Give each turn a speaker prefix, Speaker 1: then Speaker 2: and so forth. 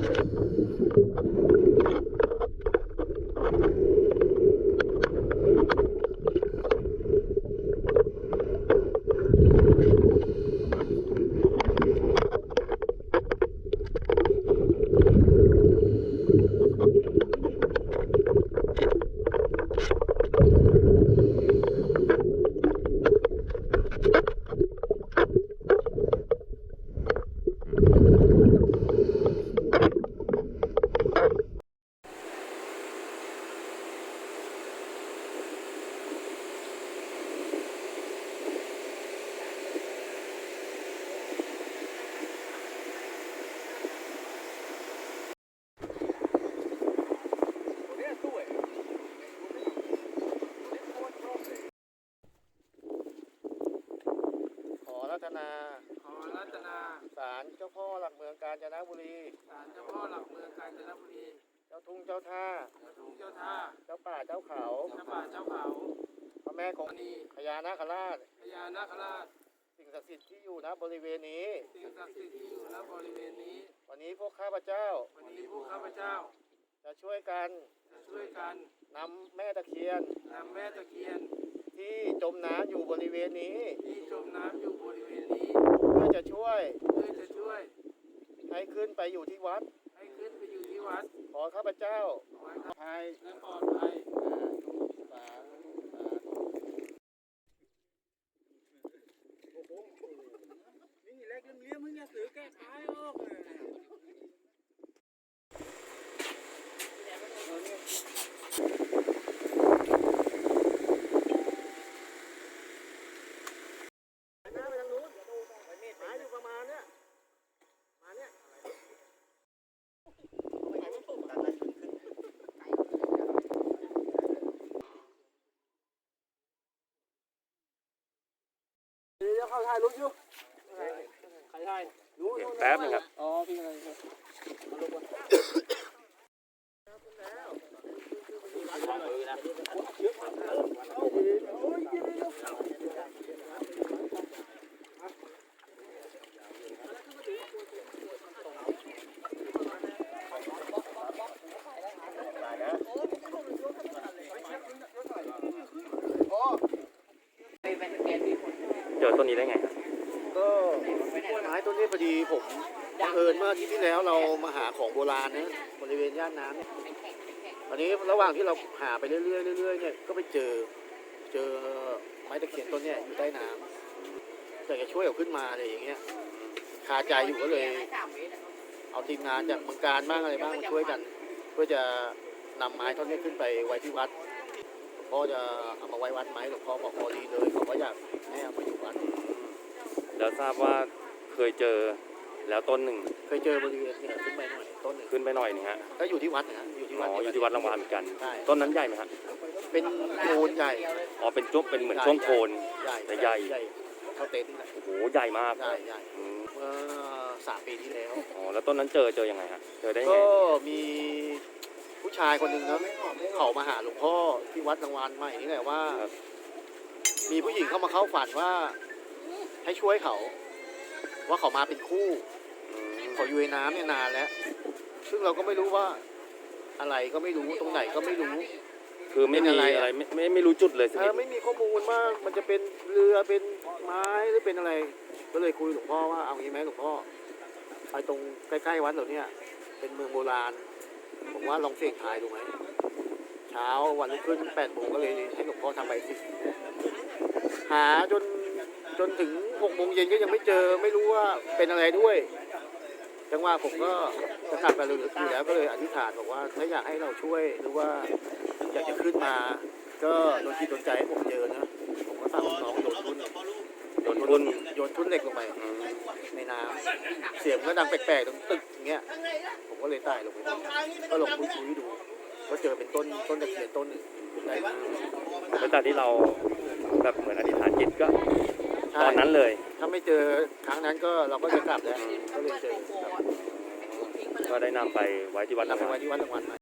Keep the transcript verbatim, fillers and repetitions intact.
Speaker 1: รัตนา
Speaker 2: ขอรัตนา
Speaker 1: ศาลเจ้าพ่อหลักเมืองกาญจนบุรี
Speaker 2: ศาลเจ้าพ่อหลักเมืองกาญจนบุรี
Speaker 1: เจ้าทุ่งเจ้าท่า
Speaker 2: เจ้าทุ่งเจ้าท่า
Speaker 1: เจ้าป่าเจ้าเขา
Speaker 2: เจ้าป่าเจ้าเขา
Speaker 1: พระแม่คงคาพญานาคราช
Speaker 2: พญานาคราช
Speaker 1: สิ่งศักดิ์สิทธิ์ที่อยู่ณบริเวณนี้
Speaker 2: สิ่งศักดิ์สิทธิ์ที่อยู่ณบริเวณนี้
Speaker 1: วันนี้พวกข้าพเจ้า
Speaker 2: วันนี้พวกข้าพเจ้า
Speaker 1: จะช่วยกัน
Speaker 2: จะช่วยกัน
Speaker 1: นำแม่ตะเคียน
Speaker 2: นำแม่ตะเคียน
Speaker 1: ที่จมน้ำอยู่บริเวณนี้
Speaker 2: ที่จมน้ำอยู่บริเวณนี้
Speaker 1: เพื่อจะช่วย
Speaker 2: เพื่อจะช่วย
Speaker 1: ให้ขึ้นไปอยู่ที่วัด
Speaker 2: ให้ขึ้นไปอยู่ที่วัด
Speaker 1: ขอข้าพเจ้า
Speaker 2: ขอให้ข้าพเจ้าและปลอดภัย
Speaker 1: สาธุสาธุโอ้โหนี่เล็กเลี้ยงมึงอย่าซื้อแก้ท้ายออกเลยเดี๋ยวเข้าถ่ายรูปอยู่ใครถ่ายรู้
Speaker 3: แป๊บนึงครับ
Speaker 1: อ๋อพี่อะไรครับมาลงวัน
Speaker 3: เจอต้นนี้ได้ไง
Speaker 1: ก็ไม้ต้นนี้พอดีผมบังเอิญเมื่ออาทิตย์ที่แล้วเรามาหาของโบราณนะบริเวณย่านน้ำตอนนี้ระหว่างที่เราหาไปเรื่อยๆเรื่อยๆเนี่ยก็ไปเจอเจอไม้ตะเคียนต้นนี้อยู่ใต้น้ำแต่จะช่วยเอาขึ้นมาอะไรอย่างเงี้ยคาใจอยู่ก็เลยเอาทีมงานจากเมืองการบ้างอะไรบ้างมาช่วยกันเพื่อจะนำไม้ต้นนี้ขึ้นไปไว้ที่วัดพ่อจะเอามาไว้วัดไหมหลวงพ่อบอกพอดีเลยเขาก็อยากให้เอามาอยู่วัด
Speaker 3: แล้วทราบว่าเคยเจอแล้วต้นหนึ่ง
Speaker 1: เคยเจอบริเวณนี้ขึ้นไปหน่อยต้นหนึ่ง
Speaker 3: ขึ้นไปหน่อยนี่ฮะ
Speaker 1: ก็อยู่ที่วัดนะอยู่ที่วัด
Speaker 3: อ๋ออยู่ที่วัดรางวัลเหมือนกันต้นนั้นใหญ่ไหมครับ
Speaker 1: เป็นโคนใหญ่
Speaker 3: อ๋อเป็นจุ๊บเป็นเหมือนช่วงโคน
Speaker 1: แต่
Speaker 3: ใหญ่
Speaker 1: เขาเต็นท์
Speaker 3: โอ้โหใหญ่มาก
Speaker 1: ใหญ่ใหญ่เมื่อสามปีที่แล้ว
Speaker 3: อ๋อแล้วต้นนั้นเจอเจอยังไงฮะเจอได้ไง
Speaker 1: ก็มีผู้ชายคนหนึ่งนะเขามาหาหลวงพ่อที่วัดรางวัลใหม่นี่แหละว่ามีผู้หญิงเข้ามาเข้าฝันว่าให้ช่วยเขาว่าเขามาเป็นคู่เขาอยู่ในน้ำเนี่ยนานแล้วซึ่งเราก็ไม่รู้ว่าอะไรก็ไม่รู้ตรงไหนก็ไม่รู้
Speaker 3: คือไม่มีอะไรไม่ไม่ไม่รู้จุดเลยสิ
Speaker 1: ไม่มีข้อมูลว่ามันจะเป็นเรือเป็นไม้หรือเป็นอะไรก็เลยคุยหลวงพ่อว่าเอางี้ไหมหลวงพ่อไปตรงใกล้ๆวัดเราเนี่ยเป็นเมืองโบราณผมว่าลองเสี่ยงทายดูไหมเช้าวันรุ่งขึ้นแปดโมงก็เลยให้หลวงพ่อทำใบสิหาจนจนถึงหกโมงเย็นก็ยังไม่เจอไม่รู้ว่าเป็นอะไรด้วยจังหวะผมก็จะกลับไปเร็วๆอยู่แล้วก็เลยอธิษฐานบอกว่าถ้าอยากให้เราช่วยหรือว่าอยากจะขึ้นมาก็โดนจิตโดนใจให้ผมเจอนะผมก็สั่งน้องโยนทุ่นโยนทุ่นโยนทุ่นเหล็กลงไปในน้ำเสียงก็ดังแปลกๆตรงตึกอย่างเงี้ยผมก็เลยใต้ลงไปก็ลงคุยๆดูก็เจอเป็นต้นต้นตะเคียนต้นหนึ่งได้มา
Speaker 3: หลังจากที่เราแบบเหมือนอธิษฐานจิตก็ตอนนั้นเลย
Speaker 1: ถ้าไม่เจอครั้งนั้นก็เราก็จะกลับแล้วก็เลยเจอ
Speaker 3: ก็ได้นำไปไว้ที่วัด
Speaker 1: นำไปไว้ที่วัดรางวัล